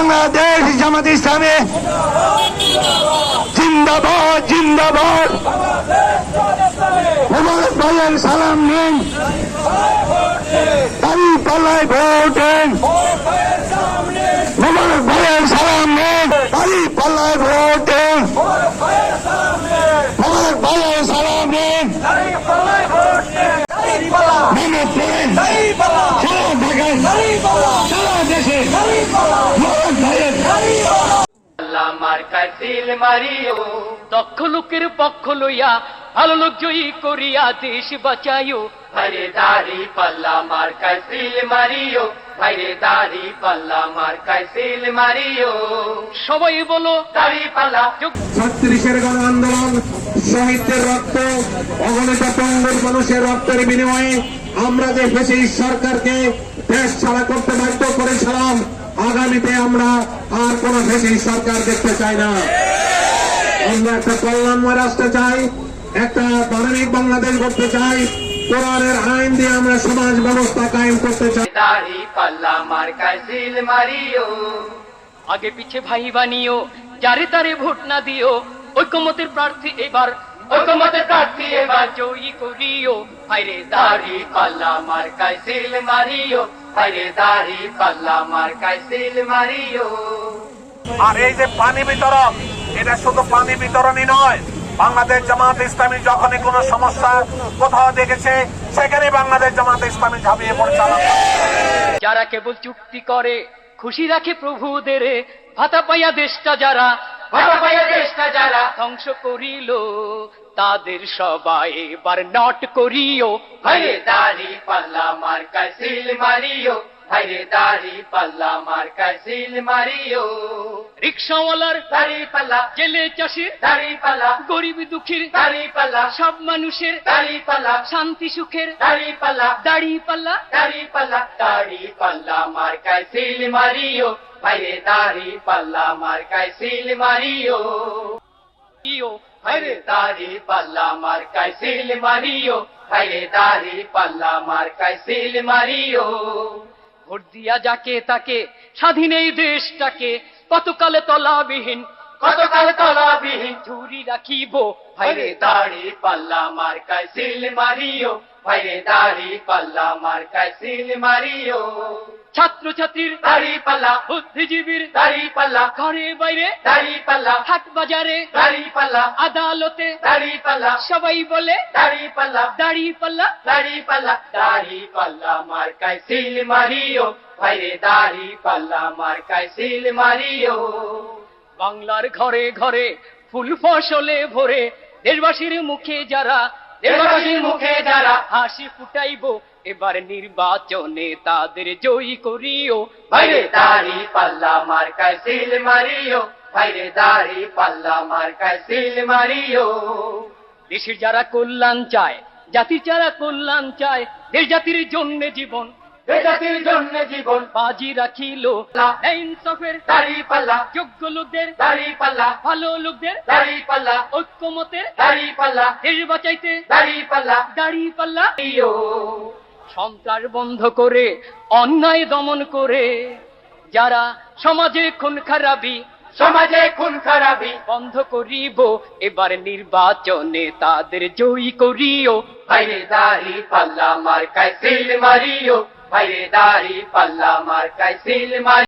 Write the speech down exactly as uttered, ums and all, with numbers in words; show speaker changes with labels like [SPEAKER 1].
[SPEAKER 1] বাংলাদেশ জামাত ইসলামী জিন্দাবাদ জিন্দাবাদ। মোবারক ভাইয়ের সালাম নিন, দাড়ি পাল্লায় ভোট দেন। মোবারক ভাইয়ের সালাম নিন, দাড়ি পাল্লায় ভোট দেন। মোবারক ভাইয়ের সালাম নিন, মেহনত করেন সারা ঢাকায় সারা দেশে। মোবারক ভাইয়ের
[SPEAKER 2] দক্ষ লোকের পক্ষ লইয়া ভালো লোক জয়ী করিয়া দেশ বাঁচাইও।
[SPEAKER 3] ভাইরে দাড়ি পাল্লা মার্কায় সিল মারিও, ভাইরে দাড়ি পাল্লা মার্কায় সিল মারিও।
[SPEAKER 2] সবাই বলো
[SPEAKER 3] দাড়ি পাল্লা।
[SPEAKER 1] ছত্রিশের গণ আন্দোলন, শহীদদের রক্ত, অগণিত পঙ্গুর মানুষের রক্তের বিনিময়ে আমরা যে বেশি সরকারকে দেশ ছাড়া করতে বাধ্য করেছিলাম, আগামীতে আমরা আর কোন বেশি সরকার দেখতে চাই না। আমরা একটা কল্যাণময় রাষ্ট্র চাই, একটা মানবিক বাংলাদেশ করতে চাই, কোরআনের আইন দিয়ে আমরা সমাজ ব্যবস্থা কায়েম করতে চাই।
[SPEAKER 3] দাড়ি পাল্লা মার্কায় সিল মারিও।
[SPEAKER 2] আগে পিছে ভাই বানিও, যারে তারে ভোট না দিও। ঐকমতের প্রার্থী এবার,
[SPEAKER 3] ঐকমতের প্রার্থী এবার
[SPEAKER 2] জয়ী করিও।
[SPEAKER 3] ভাইরে দাড়ি পাল্লা মার্কায় সিল মারিও, ভাইরে দাড়ি পাল্লা মার্কায় সিল মারিও।
[SPEAKER 4] আর এই যে পানি বিতরণ, এটা শুধু পানি বিতরণই নয়, বাংলাদেশ জামাত ইসলামী যখনই কোনো সমস্যা কোথাও দেখেছে সেখানে বাংলাদেশ জামাত ইসলামী ঝাঁপিয়ে পড়ছে।
[SPEAKER 2] যারা কেবল চুক্তি করে খুশি রাখে প্রভুদের, ভাতা পাইয়া দেশটা যারা
[SPEAKER 3] ভাতা পাইয়া দেশটা যারা
[SPEAKER 2] ধ্বংস করিল, তাদের সবাই এবার নট করিও।
[SPEAKER 3] ভাইরে দাড়ি পাল্লা মার্কায় সিল মারিও, ভাইরে দাড়ি পাল্লা মার্কায় সিল মারিও।
[SPEAKER 2] রিক্সাওয়ালার
[SPEAKER 3] দাড়ি পাল্লা,
[SPEAKER 2] জেলে চাষির
[SPEAKER 3] দাড়ি পাল্লা,
[SPEAKER 2] গরিব দুঃখীর
[SPEAKER 3] দাড়ি পাল্লা,
[SPEAKER 2] সব মানুষের
[SPEAKER 3] দাড়ি পাল্লা,
[SPEAKER 2] শান্তি সুখের
[SPEAKER 3] দাড়ি পাল্লা,
[SPEAKER 2] দাড়ি পাল্লা।
[SPEAKER 3] দাড়ি পাল্লা, দাড়ি পাল্লা মার্কায় সিল মারিও, ভাইরে দাড়ি পাল্লা মার্কায় সিল মারিও।
[SPEAKER 2] ইও
[SPEAKER 3] ভাইরে দাড়ি পাল্লা মার্কায় সিল মারিও, ভাইরে দাড়ি পাল্লা মার্কায় সিল মারিও।
[SPEAKER 2] ভোট দিয়া যাকে তাকে স্বাধীন এই দেশটাকে কতকালে তলাবিহীন
[SPEAKER 3] কতকাল তলাবিহীন
[SPEAKER 2] ঝুরি রাখিব।
[SPEAKER 3] ভাইরে দাড়ি পাল্লা মার্কায় সিল মারিও, ভাইরে দাড়ি পাল্লা মার্কায় সিল মারিও।
[SPEAKER 2] ছাত্র ছাত্রীর
[SPEAKER 3] দাড়ি পাল্লা,
[SPEAKER 2] বুদ্ধিজীবীর
[SPEAKER 3] দাড়ি পাল্লা,
[SPEAKER 2] ঘরে বাইরে
[SPEAKER 3] দাড়ি পাল্লা,
[SPEAKER 2] হাট বাজারে
[SPEAKER 3] দাড়ি পাল্লা,
[SPEAKER 2] আদালতে
[SPEAKER 3] দাড়ি পাল্লা,
[SPEAKER 2] সবাই বলে
[SPEAKER 3] দাড়ি পাল্লা,
[SPEAKER 2] দাড়ি পাল্লা।
[SPEAKER 3] দাড়ি পাল্লা, দাড়ি পাল্লা মার্কায় সিল মারিও, ভাইরে দাড়ি পাল্লা মার্কায় সিল মারিও।
[SPEAKER 2] বাংলার ঘরে ঘরে ফুল ফসলে ভরে দেশবাসীর মুখে যারা
[SPEAKER 3] দেশবাসীর মুখে যারা
[SPEAKER 2] হাসি ফুটাইব, এবার নির্বাচনে তাদের জয়ী করিও।
[SPEAKER 3] ভাইরে দাড়ি পাল্লা মার্কায় সিল মারিও, ভাইরে দাড়ি পাল্লা মার্কায় সিল মারিও।
[SPEAKER 2] দেশের যারা কল্যাণ চায়, জাতির যারা কল্যাণ চায়, দেশ জাতির জন্য জীবন
[SPEAKER 3] এ জাতির জন্য জীবন
[SPEAKER 2] বাজি রাখিল। ইনসাফের
[SPEAKER 3] দাড়ি পাল্লা,
[SPEAKER 2] যোগ্য লোকদের
[SPEAKER 3] দাড়ি পাল্লা,
[SPEAKER 2] ভালো লোকদের
[SPEAKER 3] দাড়ি পাল্লা,
[SPEAKER 2] ঐক্যমতের
[SPEAKER 3] দাড়ি পাল্লা,
[SPEAKER 2] দেশ বাঁচাইতে
[SPEAKER 3] দাড়ি পাল্লা
[SPEAKER 2] দাড়ি পাল্লা।
[SPEAKER 3] ইয়ো।
[SPEAKER 2] সন্ত্রাস বন্ধ করে অন্যায় দমন করে যারা সমাজে খুন খারাপি
[SPEAKER 3] সমাজে খুন খারাপি
[SPEAKER 2] বন্ধ করিব, এবার নির্বাচনে তাদের জয়ী করিও।
[SPEAKER 3] ভাইরে দাড়ি পাল্লা মার্কায় সিল মারিও, ভাইরে দাড়ি পাল্লা মার্কায় সিল মারিও।